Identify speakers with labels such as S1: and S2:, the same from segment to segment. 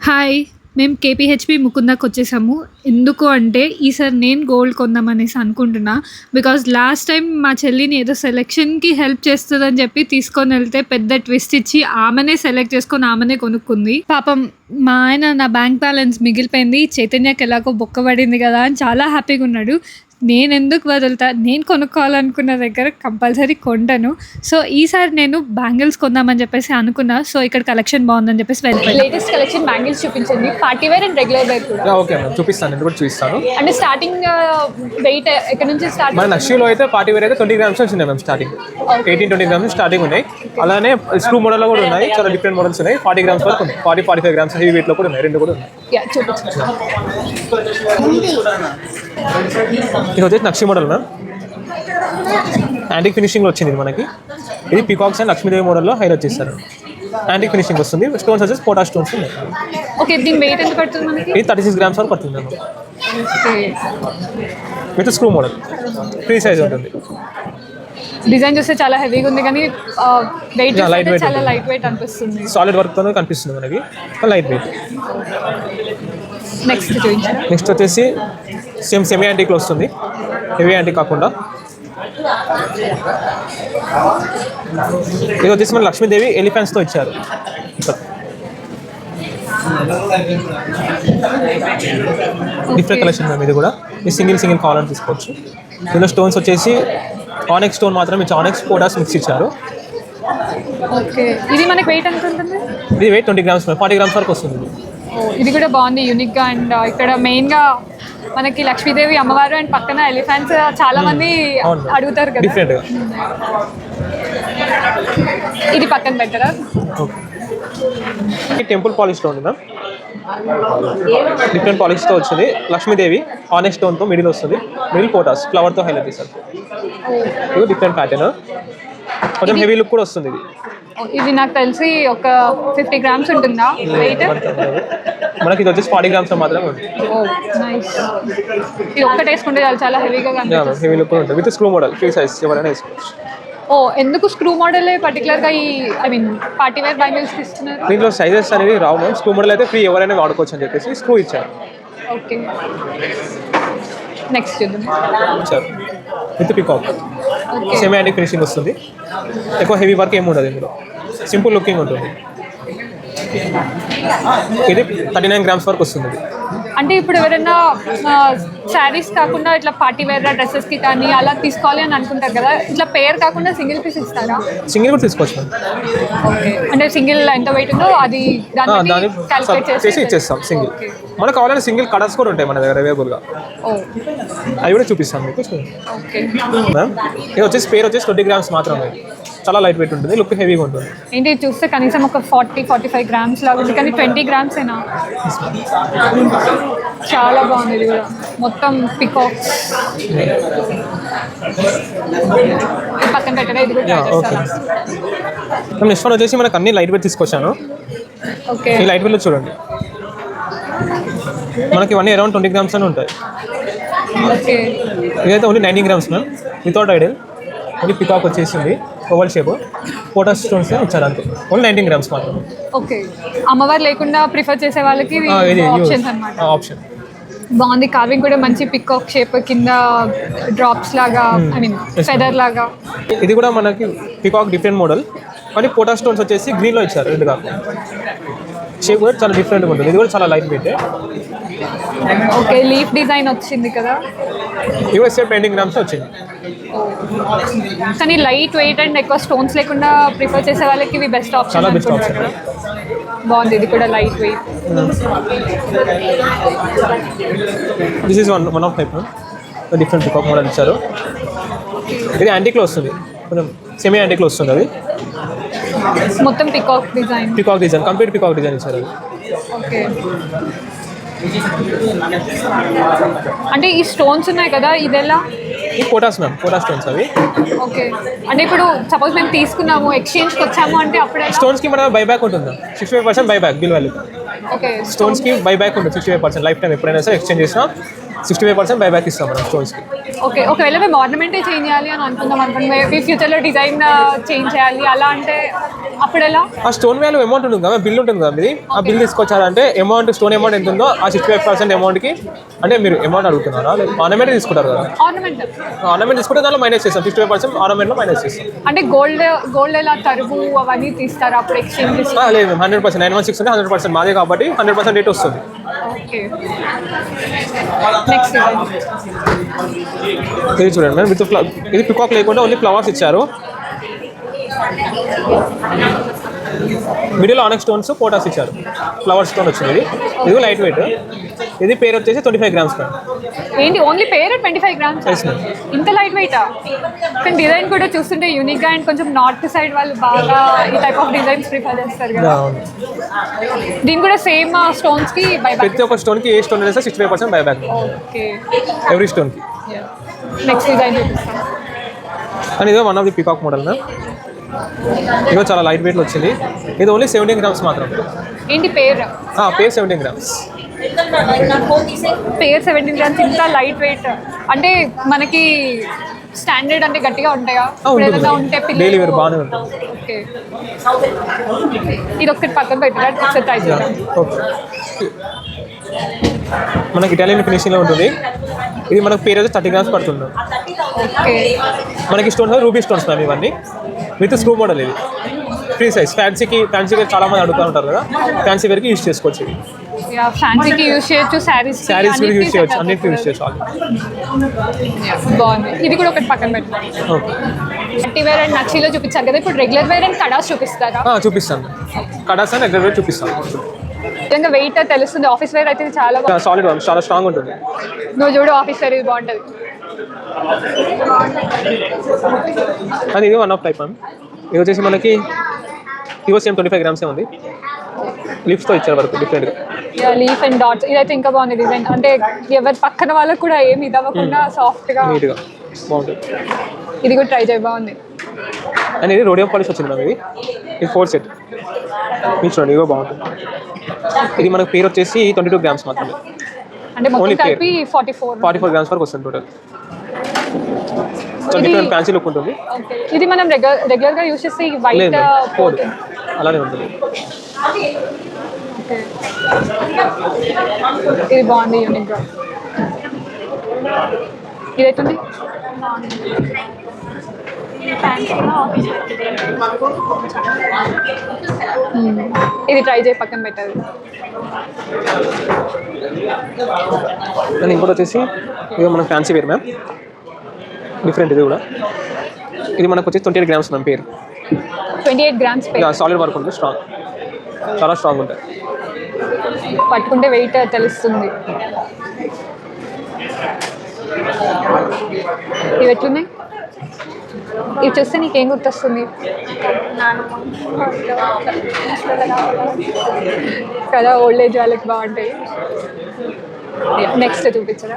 S1: Hi! మేము KPHP ముకుందాకొచ్చేసాము. ఎందుకు అంటే ఈసారి నేను గోల్డ్ కొందామనేసి అనుకుంటున్నా. బికాజ్ లాస్ట్ టైమ్ మా చెల్లిని ఏదో సెలక్షన్‌కి హెల్ప్ చేస్తదని చెప్పి తీసుకొనెళ్తే పెద్ద ట్విస్ట్ ఇచ్చి ఆమెనే సెలెక్ట్ చేసుకొని ఆమెనే కొనుక్కుంది. పాపం మా ఆయన నా బ్యాంక్ బ్యాలెన్స్ మిగిలిపోయింది. చైతన్యకి ఎలాగో బొక్క పడింది కదా అని చాలా హ్యాపీగున్నాడు. నేనెందుకు వదులుతా? నేను కొనుక్కోవాలనుకున్న దగ్గర కంపల్సరీ కొంటాను. సో, ఈసారి నేను బ్యాంగిల్స్ కొందామని చెప్పేసి అనుకున్నా. సో, ఇక్కడ కలెక్షన్ బాగుందని చెప్పేసి వెళ్ళిపోయాను.
S2: లేటెస్ట్ కలెక్షన్ బ్యాంగిల్స్ చూపించండి, party wear and regular wear కూడా.
S3: ఓకే మ్యామ్, చూపిస్తాను. నేను కూడా చూపిస్తాను.
S2: అంటే స్టార్టింగ్ వెయిట్ ఎక్కడ నుంచి స్టార్ట్?
S3: మన నక్షిలో అయితే పార్టీ వేర్ అయితే 20 గ్రామ్స్ వచ్చింది మ్యామ్. స్టార్టింగ్ 18-20 గ్రామ్స్ స్టార్టింగ్ ఉన్నాయి. అలానే స్క్రూ మోడల్లో కూడా ఉన్నాయి. చాలా డిఫరెంట్ మోడల్స్ ఉన్నాయి. 40 గ్రామ్స్ వరకు ఉన్నాయి. 40-45 గ్రామ్స్ హెవీ వెయిట్లో కూడా ఉన్నాయి. రెండు కూడా ఉన్నాయి.
S2: చూపించండి.
S3: ఇది వచ్చేసి నక్షి మోడల్ మ్యామ్. యాంటిక్ ఫినిషింగ్లో వచ్చింది ఇది మనకి. ఇది పికాక్స్ అండ్ లక్ష్మీదేవి మోడల్లో హైలైట్ చేస్తారు. యాంటిక్ ఫినిషింగ్ వస్తుంది. స్టోన్స్ వచ్చేసి పోటా స్టోన్స్ ఉన్నాయి.
S2: ఓకే, దీని వెయిట్ ఎంత పడుతుంది మనకి?
S3: ఇది 36 గ్రామ్స్ వరకు పడుతుంది ma'am.
S2: Okay,
S3: with screw model free size ఉంటుంది.
S2: డిజైన్ చూస్తే చాలా హెవీగా ఉంది కానీ వెయిట్
S3: లైట్ వెయిట్
S2: చాలా లైట్ వెయిట్ అనిపిస్తుంది.
S3: సాలిడ్ వర్క్తో కనిపిస్తుంది మనకి, లైట్ వెయిట్.
S2: నెక్స్ట్ చూపించండి.
S3: నెక్స్ట్ వచ్చేసి సెమీ యాంటిక్లో వస్తుంది. హెవీ యాంటిక్ కాకుండా ఇది వచ్చేసి మన లక్ష్మీదేవి ఎలిఫెంట్స్తో ఇచ్చారు. Different collection ma'am. ఇది కూడా ఈ సింగిల్ కావాలని తీసుకోవచ్చు. ఇందులో స్టోన్స్ వచ్చేసి ఆనెక్స్ స్టోన్ మాత్రం ఇచ్చి ఆనెక్స్ పోటాస్ మిక్స్ ఇచ్చారు.
S2: ఓకే, ఇది మనకి వెయిట్ ఎంత ఉంటుంది?
S3: ఇది వెయిట్ 20 గ్రామ్స్ 40 గ్రామ్స్ వరకు వస్తుంది.
S2: ఇది కూడా బాగుంది, యూనిక్గా. అండ్ ఇక్కడ మెయిన్గా మనకి లక్ష్మీదేవి అమ్మవారు అండ్ పక్కన ఎలిఫెంట్స్ చాలా మంది అడుగుతారు కదా.
S3: డిఫరెంట్గా
S2: ఇది పక్కన పెట్టరా?
S3: టెంపుల్ పాలిష్లో ఉంది మ్యామ్. డిఫరెంట్ పాలిష్తో వచ్చింది. లక్ష్మీదేవి ఆనెక్స్ స్టోన్తో మిడిల్ వస్తుంది. మిడిల్ పోటాస్ ఫ్లవర్తో హైలైట్ చేస్తారు. ఇది డిఫరెంట్ ప్యాటర్న్, కొంచెం హెవీ లుక్ కూడా వస్తుంది.
S2: ఇది నాకు తెలిసి ఒక 50 గ్రామ్స్ ఉంటుందా వెయిట్?
S3: మనకి ఇది వచ్చేసి 40 గ్రామ్స్ మాత్రమే ఉంది.
S2: ఇది ఒక్కటి వేసుకుంటే చాలా హెవీగా కనిపిస్తుంది.
S3: హెవీ లుక్ ఉంటుంది. With screw model free size ఎవరైనా వేసుకోవచ్చు.
S2: ఎందుకు స్క్రూ మోడల్ పర్టికులర్గా ఈ పార్టీ వేర్ బ్యాంగిల్స్ ఇస్తున్నారు?
S3: దీంట్లో సైజెస్ అనేవి రావు మ్యామ్. స్క్రూ మోడల్ అయితే ఫ్రీ ఎవరైనా వాడుకోవచ్చు అని చెప్పేసి స్క్రూ ఇచ్చారు.
S2: ఓకే, నెక్స్ట్ చూద్దాం.
S3: ఇచ్చారు with peacock. Semi antique finishing వస్తుంది. ఎక్కువ హెవీ వర్క్ ఏమి ఉండదు. ఇందులో సింపుల్ లుకింగ్ ఉంటుంది. ఇది 39 గ్రామ్స్ వరకు వస్తుంది.
S2: అంటే ఇప్పుడు ఎవరైనా శారీస్ కాకుండా ఇట్లా పార్టీ వేర్ డ్రెస్సెస్కి కానీ అలా తీసుకోవాలి అని అనుకుంటారు కదా, ఇట్లా పేర్ కాకుండా సింగిల్ పీస్ ఇస్తారా?
S3: సింగిల్ కూడా తీసుకోవచ్చు.
S2: ఓకే, అంటే సింగిల్ ఎంత వెయిట్ ఉందో అది
S3: దాన్ని
S2: క్యాలిక్యులేట్
S3: చేసి ఇచ్చేస్తాం. సింగిల్ మనకు కావాలంటే సింగిల్ కలర్స్ కూడా ఉంటాయి మన దగ్గర అవైలబుల్గా. అవి కూడా చూపిస్తాం మీకు.
S2: ఓకే
S3: మ్యామ్, ఇది వచ్చేసి పేర్ వచ్చేసి 20 గ్రామ్స్ మాత్రమే. చాలా లైట్ వెయిట్ ఉంటుంది. లుక్ హెవీగా ఉంటుంది.
S2: ఏంటి చూస్తే కనీసం ఒక 40-45 గ్రామ్స్ లాగా ఉంది కానీ 20 గ్రామ్స్ ఏనా? చాలా బాగుంది. ఇది కూడా మొత్తం పికాక్స్. పక్కన పెట్టగా ఇది కూడా
S3: ఓకే. నెక్స్ట్ వన్ వచ్చేసి మనకు అన్ని లైట్ వెయిట్ తీసుకొచ్చాను.
S2: ఓకే,
S3: ఈ లైట్ వెయిట్లో చూడండి. మనకి ఇవన్నీ అరౌండ్ 20 గ్రామ్స్ అని ఉంటాయి.
S2: ఓకే,
S3: ఇదైతే only 19 grams ma'am. Without idol only peacock వచ్చేసింది. ఓవల్ షేప్ పోటా స్టోన్స్ ఇచ్చారు అంతే. ఓన్లీ 19 గ్రామ్స్ మాత్రం.
S2: ఓకే, అమ్మవారు లేకుండా ప్రిఫర్ చేసే వాళ్ళకి ఆప్షన్స్ అన్నమాట.
S3: ఆప్షన్
S2: బాగుంది. కార్వింగ్ కూడా మంచి పికాక్ షేప్, కింద డ్రాప్స్ లాగా ఫెదర్ లాగా.
S3: ఇది కూడా మనకి పికాక్ డిఫరెంట్ మోడల్ కానీ పోటా స్టోన్స్ వచ్చేసి గ్రీన్లో ఇచ్చారు. రెండు కాకుండా షేప్ కూడా చాలా డిఫరెంట్గా ఉంటుంది. ఇది కూడా చాలా light weight.
S2: Okay, leaf design వచ్చింది కదా.
S3: ఇది కూడా సేమ్ 20 గ్రామ్స్ వచ్చింది.
S2: కానీ లైట్ వెయిట్ అండ్ ఎక్కువ స్టోన్స్ లేకుండా ప్రిఫర్ చేసే వాళ్ళకి ఇవి బెస్ట్ ఆప్షన్.
S3: చాలా బెస్ట్ ఆప్షన్.
S2: బాగుంది. ఇది కూడా light weight.
S3: This is one of type different peacock model ఇచ్చారు. ఇది యాంటిక్లో వస్తుంది. కొంచెం సెమీ యాంటిక్లో వస్తుంది. అది
S2: మొత్తం peacock design.
S3: Complete peacock design ఇచ్చారు. అది
S2: ఓకే, అంటే ఈ స్టోన్స్ ఉన్నాయి కదా, ఇది ఎలా?
S3: ఈ పోటాస్ మ్యామ్, పోటా స్టోన్స్ అవి.
S2: ఓకే, అంటే ఇప్పుడు సపోజ్ మేము తీసుకున్నాము, ఎక్స్చేంజ్కి వచ్చాము అంటే అప్పుడే
S3: స్టోన్స్కి మన బైబ్యాక్ ఉంటుంది. 65% బైబ్యాక్ బిల్ వాల్యూ.
S2: ఓకే,
S3: స్టోన్స్కి బైబ్యాక్ ఉంటుంది 65% లైఫ్ టైం. ఎప్పుడైనా సరే ఎక్స్చేంజ్ చేసినా 65% బైబ్యాక్ ఇస్తాం మనం స్టోన్స్కి.
S2: ఓకే, ఒకవేళ మేము ఆర్నమెంటే చేంజ్ చేయాలి అని అనుకుందాం అనుకోండి, మేబీ ఫ్యూచర్లో డిజైన్ చేంజ్ చేయాలి అలా అంటే అప్పుడు ఎలా?
S3: ఆ స్టోన్ వాల్యూ అమౌంట్ ఉంటుంది కదా, బిల్ ఉంటుంది కదా మీది, ఆ బిల్ తీసుకొచ్చారంటే అమౌంట్ స్టోన్ అమౌంట్ ఎంత ఉందో ఆ 65% అమౌంట్కి, అంటే మీరు అమౌంట్ అడుగుతున్నారా లేదా ఆర్నమెంట్ తీసుకుంటారు కదా, ఆర్నమెంట్ తీసుకుంటే దాంట్లో మైనస్ చేస్తాం, 65% ఆర్నమెంట్లో మైనస్ చేస్తాం.
S2: అంటే గోల్డ్ ఎలా తరుగు అవన్నీ తీస్తారు అప్పుడు ఎక్స్చేంజ్?
S3: లేదు మేము 100% 916 ఉంటే 100% మాదే కాబట్టి 100% రేట్ వస్తుంది.
S2: ఓకే, నెక్స్ట్
S3: ఇది చూడండి మేడం, ఇది పికాక్ లేకుండా ఓన్లీ ఫ్లవర్స్ ఇచ్చారు. మిడిల్ ఆనెక్ స్టోన్స్ పోటాస్ ఇచ్చారు, ఫ్లవర్ స్టోన్ వచ్చింది. ఇది లైట్ వెయిట్, ఇది పేరు వచ్చేసి 25 గ్రామ్స్ మేడం.
S2: ఏంటి ఓన్లీ పేరు 25 గ్రామ్స్?
S3: Yes madam.
S2: ఇంత లైట్ వెయిటా? కానీ డిజైన్ కూడా చూస్తుంటే యూనిక్గా అండ్ కొంచెం నార్త్ సైడ్ వాళ్ళు బాగా ఈ టైప్ ఆఫ్ డిజైన్స్ ప్రిఫర్ చేస్తారు కదా. దీని కూడా సేమ్ స్టోన్స్కి బైబ్యాక్?
S3: ప్రతి ఒక్క స్టోన్కి ఏ స్టోన్ వేస్తే 65% బైబ్యాక్.
S2: ఓకే,
S3: ఎవ్రీ స్టోన్కి.
S2: నెక్స్ట్ డిజైన్ చూపిస్తాను.
S3: అండ్ ఇదో one of the peacock model ma'am. ఇదో చాలా లైట్ వెయిట్లో వచ్చింది. ఇది ఓన్లీ 17 గ్రామ్స్ మాత్రం.
S2: ఏంటి పేరు?
S3: పేరు 17 గ్రామ్స్.
S2: పేరు 17 గ్రామ్స్, ఇంత లైట్ వెయిట్ అంటే మనకి స్టాండర్డ్ అంటే గట్టిగా ఉంటాయా? ఏదైనా ఉంటే
S3: డైలీ వేర్ బాగానే ఉంటుంది.
S2: ఓకే, ఇది ఒక్కటి పక్కన పెట్టినా ఒకసారి ట్రై చేద్దాం.
S3: ఓకే, మనకి ఇటాలియన్ ఫినిషింగ్లో ఉంటుంది. ఇది మనకు పేరు అయితే 30 గ్రామ్స్ పడుతుంది.
S2: ఓకే,
S3: మనకి స్టోన్స్ రూబీ స్టోన్స్ మ్యామ్, ఇవన్నీ విత్ స్క్రూ మోడల్. ఇది ఫ్రీ సైజ్, ఫ్యాన్సీ వేర్ చాలా మంది అడుగుతూ ఉంటారు కదా, ఫ్యాన్సీ వేర్కి యూజ్ చేసుకోవచ్చు.
S2: ఫ్యాన్సీకి యూజ్ చేయొచ్చు, శారీస్
S3: కూడా యూజ్ చేయొచ్చు, అన్నిటికీ యూజ్ చేయొచ్చు.
S2: బాగుంది. ఇది కూడా ఒకటి పక్కన పెట్టాలి.
S3: ఓకే,
S2: పార్టీ వేర్ అండ్ నక్షీలో చూపించారు కదా, ఇప్పుడు రెగ్యులర్ వేర్ అండ్ కడాస్ చూపిస్తారా?
S3: చూపిస్తాను. కడాస్ అండ్ రెగ్యులర్ వేర్ చూపిస్తాను.
S2: నిజంగా వెయిట్ తెలుస్తుంది. ఆఫీస్ వేర్ అయితే చాలా
S3: సాలిడ్, చాలా స్ట్రాంగ్ ఉంటుంది.
S2: నువ్వు చూడు, ఆఫీస్ వేర్ ఇది బాగుంటుంది.
S3: అది ఇది వన్ ఆఫ్ టైప్ మ్యామ్. ఇది వచ్చేసి మనకి ఇవో సేమ్ 25 గ్రామ్సే ఉంది. లీఫ్స్తో ఇచ్చారు వరకు డిఫరెంట్గా.
S2: లీఫ్ అండ్ డాట్స్, ఇదైతే ఇంకా బాగుంది డిజైన్. అంటే ఎవరి పక్కన వాళ్ళకు కూడా ఏమి ఇదవ్వకుండా సాఫ్ట్గా
S3: నీట్గా బాగుంటుంది.
S2: ఇది కూడా ట్రై చేయ, బాగుంది.
S3: అండ్ ఇది రోడియం పాలిష్ వచ్చింది మ్యామ్. ఇది 4 సెట్. మీరు చూడండి, ఇవో బాగుంటుంది. ఇది మనకు పేరు వచ్చేసి 22 గ్రామ్స్ మాత్రమే.
S2: అంటే మొత్తం కలిపి 44
S3: గ్రామ్స్ వరకు వస్తుంది టోటల్. డిఫరెంట్ ఫ్యాన్సీ లుక్ ఉంటుంది.
S2: ఇది మనం రెగ్యులర్గా యూజ్ చేస్తే వైట్
S3: పోదు, అలానే ఉంటుంది.
S2: ఇది బాగుంది, యూనిక్గా. ఇదైతుంది ఇది ట్రై చేయి, పక్కన పెట్టాలి.
S3: అండ్ ఇంకోటి వచ్చేసి ఇది మన ఫ్యాన్సీ వేర్ మ్యామ్, డిఫరెంట్. ఇది కూడా ఇది మనకు వచ్చేసి 28 గ్రామ్స్ మ్యామ్. పేరు
S2: 28 గ్రామ్స్.
S3: సాలిడ్ వర్క్ ఉంటుంది, స్ట్రాంగ్, చాలా స్ట్రాంగ్ ఉంటుంది.
S2: పట్టుకుంటే వెయిట్ తెలుస్తుంది. ఇవి ఎట్లున్నాయి? ఇవి చూస్తే నీకేం గుర్తొస్తుంది కదా? ఓల్డ్ ఏజ్ వాళ్ళకి బాగుంటాయి. నెక్స్ట్ చూపించరా?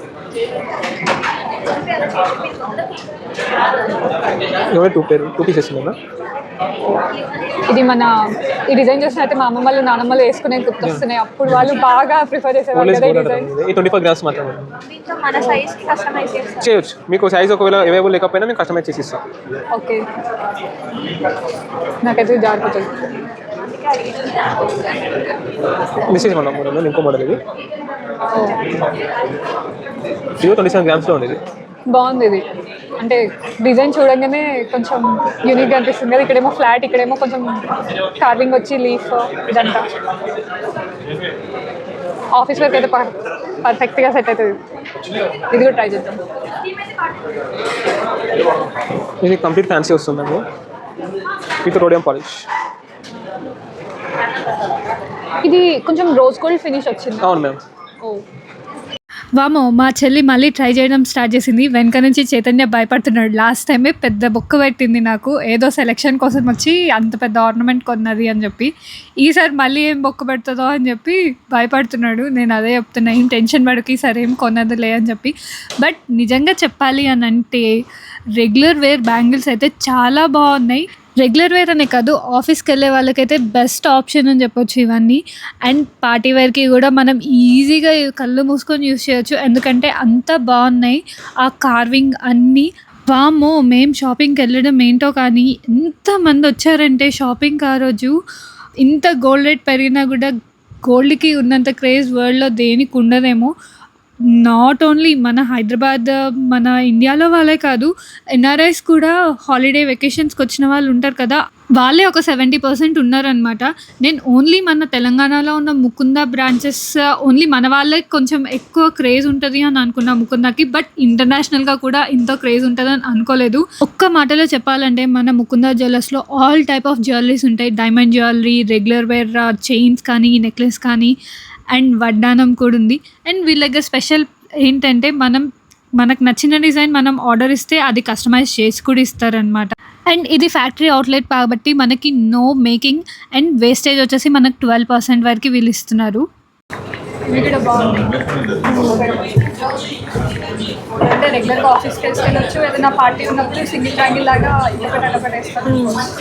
S3: టూ పీసెస్ ఉన్నాయి.
S2: ఇది మన ఈ డిజైన్ చూసినట్టే మా అమ్మమ్మలు నానమ్మలు వేసుకునే గుర్తొస్తున్నాయి. అప్పుడు వాళ్ళు బాగా ప్రిఫర్ చేసేవాళ్ళు కదా ఈ డిజైన్.
S3: 25 గ్రామ్స్ మాత్రమే.
S2: మన సైజ్కి కస్టమైజ్
S3: చేయొచ్చు. మీకు సైజ్ ఒకవేళ అవైలబుల్ లేకపోయినా మేము కస్టమైజ్ చేసి ఇస్తాం.
S2: ఓకే, నాకైతే జారిపోతుంది.
S3: దిస్ ఈజ్ మన మోడల్, ఇంకో మోడల్. ఇది 27 గ్రామ్స్లో ఉంది. ఇది
S2: బాగుంది. ఇది అంటే డిజైన్ చూడంగానే కొంచెం యూనిక్గా అనిపిస్తుంది కదా. ఇక్కడేమో ఫ్లాట్, ఇక్కడేమో కొంచెం కార్వింగ్ వచ్చి లీఫ్, ఇదంతా ఆఫీస్ వర్క్ అయితే పర్ఫెక్ట్గా సెట్ అవుతుంది. ఇది కూడా ట్రై చేద్దాం.
S3: ఇది కంప్లీట్ ఫ్యాన్సీ వస్తుందండి విత్ రోడియం పాలిష్.
S2: ఇది కొంచెం రోజ్ గోల్డ్ ఫినిష్ వచ్చింది.
S3: అవును మ్యామ్.
S1: వామో, మా చెల్లి మళ్ళీ ట్రై చేయడం స్టార్ట్ చేసింది. వెనక నుంచి చైతన్య భయపడుతున్నాడు. లాస్ట్ టైమే పెద్ద బొక్క పెట్టింది నాకు, ఏదో సెలెక్షన్ కోసం వచ్చి అంత పెద్ద ఆర్నమెంట్ కొన్నది అని చెప్పి. ఈసారి మళ్ళీ ఏం బొక్క పెడుతుందో అని చెప్పి భయపడుతున్నాడు. నేను అదే చెప్తున్నా, ఏం టెన్షన్ పడకి, సరే ఏం కొన్నదిలే అని చెప్పి. బట్ నిజంగా చెప్పాలి అని అంటే రెగ్యులర్ వేర్ బ్యాంగిల్స్ అయితే చాలా బాగున్నాయి. రెగ్యులర్ వేర్ అనే కాదు, ఆఫీస్కి వెళ్ళే వాళ్ళకైతే బెస్ట్ ఆప్షన్ అని చెప్పొచ్చు ఇవన్నీ. అండ్ పార్టీ వేర్కి కూడా మనం ఈజీగా కళ్ళు మూసుకొని యూస్ చేయొచ్చు, ఎందుకంటే అంత బాగున్నాయి ఆ కార్వింగ్ అన్నీ. వామ్మో, మేము షాపింగ్కి వెళ్ళడం ఏంటో కానీ ఎంతమంది వచ్చారంటే షాపింగ్కి ఆ రోజు. ఇంత గోల్డ్ రేట్ పెరిగినా కూడా గోల్డ్కి ఉన్నంత క్రేజ్ వరల్డ్లో దేనికి ఉండదేమో. నాట్ ఓన్లీ మన హైదరాబాద్, మన ఇండియాలో వాళ్ళే కాదు, ఎన్ఆర్ఐస్ కూడా హాలిడే వెకేషన్స్కి వచ్చిన వాళ్ళు ఉంటారు కదా, వాళ్ళే ఒక 70% ఉన్నారనమాట. నేను ఓన్లీ మన తెలంగాణలో ఉన్న ముకుంద బ్రాంచెస్ ఓన్లీ మన వాళ్ళే కొంచెం ఎక్కువ క్రేజ్ ఉంటుంది అని అనుకున్నా ముకుందకి. బట్ ఇంటర్నేషనల్గా కూడా ఇంత క్రేజ్ ఉంటుందని అనుకోలేదు. ఒక్క మాటలో చెప్పాలంటే మన ముకుంద జ్యువెలర్స్లో ఆల్ టైప్ ఆఫ్ జ్యువెలరీస్ ఉంటాయి. Diamond jewellery, regular wear chains కానీ, నెక్లెస్ కానీ, అండ్ వడ్డానం కూడా ఉంది. అండ్ వీళ్ళ దగ్గర స్పెషల్ ఏంటంటే మనకు నచ్చిన డిజైన్ మనం ఆర్డర్ ఇస్తే అది కస్టమైజ్ చేసి కూడా ఇస్తారనమాట. అండ్ ఇది ఫ్యాక్టరీ అవుట్లెట్ కాబట్టి మనకి నో మేకింగ్ అండ్ వేస్టేజ్ వచ్చేసి మనకు 12% వరకు వీళ్ళు ఇస్తున్నారు.
S2: అంటే రెగ్యులర్గా ఆఫీస్కి వెళ్ళొచ్చు, ఏదైనా పార్టీ ఉన్నప్పుడు సింగిల్ ట్యాంగిల్ లాగా ఒకటి వేస్తాను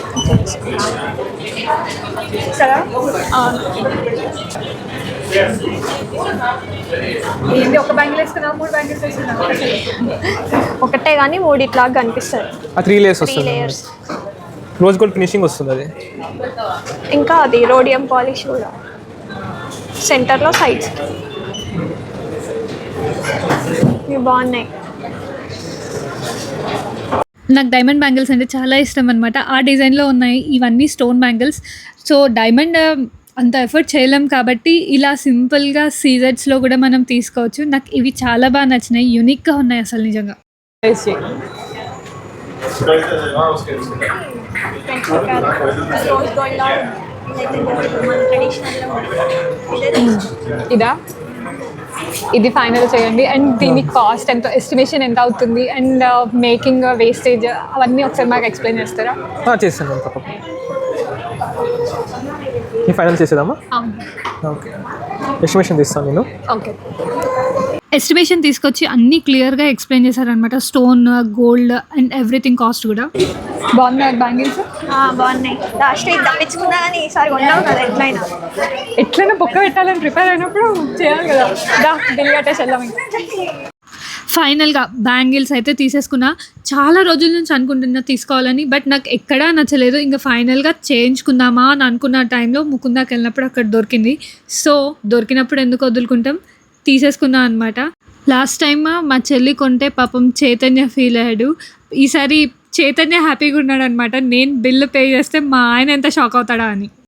S2: కదా. ఏంటి ఒక బ్యాంగిల్ వేస్తున్నా, 3 బ్యాంగిల్స్ వేస్తున్నా?
S4: ఒకటే కానీ 3 ఇట్లాగా కనిపిస్తుంది.
S3: 3 లేయర్స్ వస్తుంది, రోజ్ గోల్డ్ ఫినిషింగ్ వస్తుంది అది.
S4: ఇంకా అది రోడియం పాలిష్ కూడా సెంటర్లో సైడ్స్ ఇవి బాగున్నాయి.
S1: నాకు డైమండ్ బ్యాంగిల్స్ అంటే చాలా ఇష్టం అనమాట. ఆ డిజైన్లో ఉన్నాయి ఇవన్నీ స్టోన్ బ్యాంగిల్స్. సో డైమండ్ అంత ఎఫర్ట్ చేయలేం కాబట్టి ఇలా సింపుల్గా సీజెడ్స్లో కూడా మనం తీసుకోవచ్చు. నాకు ఇవి చాలా బాగా నచ్చినాయి, యూనిక్గా ఉన్నాయి అసలు నిజంగా.
S2: ఇదా, ఇది ఫైనల్ చేయండి. అండ్ దీని కాస్ట్ ఎంత, ఎస్టిమేషన్ ఎంత అవుతుంది, అండ్ మేకింగ్ వేస్టేజ్ అవన్నీ ఒకసారి మాకు ఎక్స్ప్లెయిన్ చేస్తారా?
S3: చేస్తాను తప్పకుండా. ఈ ఫైనల్ చేసేదామా? ఓకే, ఎస్టిమేషన్ తీస్తాను నేను.
S2: ఓకే,
S1: ఎస్టిమేషన్ తీసుకొచ్చి అన్నీ క్లియర్గా ఎక్స్ప్లెయిన్ చేశారనమాట. Stone, gold and everything cost కూడా.
S2: బాగున్నాయి బ్యాంగిల్స్,
S4: బాగున్నాయి. లాస్ట్ వీక్ తప్పించుకున్నా కానీ ఈసారి కొన్నావు కదా,
S2: ఎట్లయినా పొక్క పెట్టాలని ప్రిపేర్ అయినప్పుడు చేయాలి కదా. బిల్ కట్టేసి వెళ్దాం.
S1: ఫైనల్గా బ్యాంగిల్స్ అయితే తీసేసుకున్నా. చాలా రోజుల నుంచి అనుకుంటున్నా తీసుకోవాలని, బట్ నాకు ఎక్కడా నచ్చలేదు. ఇంకా ఫైనల్గా చేయించుకుందామా అని అనుకున్న టైంలో ముకుందాకి వెళ్ళినప్పుడు అక్కడ దొరికింది. సో దొరికినప్పుడు ఎందుకు వదులుకుంటాం, తీసేసుకున్నా అనమాట. లాస్ట్ టైమ్ మా చెల్లి కొంటే పాపం చైతన్య ఫీల్ అయ్యాడు. ఈసారి చైతన్య హ్యాపీగా ఉన్నాడు అనమాట. నేను బిల్లు పే చేస్తే మా ఆయన ఎంత షాక్ అవుతాడా అని.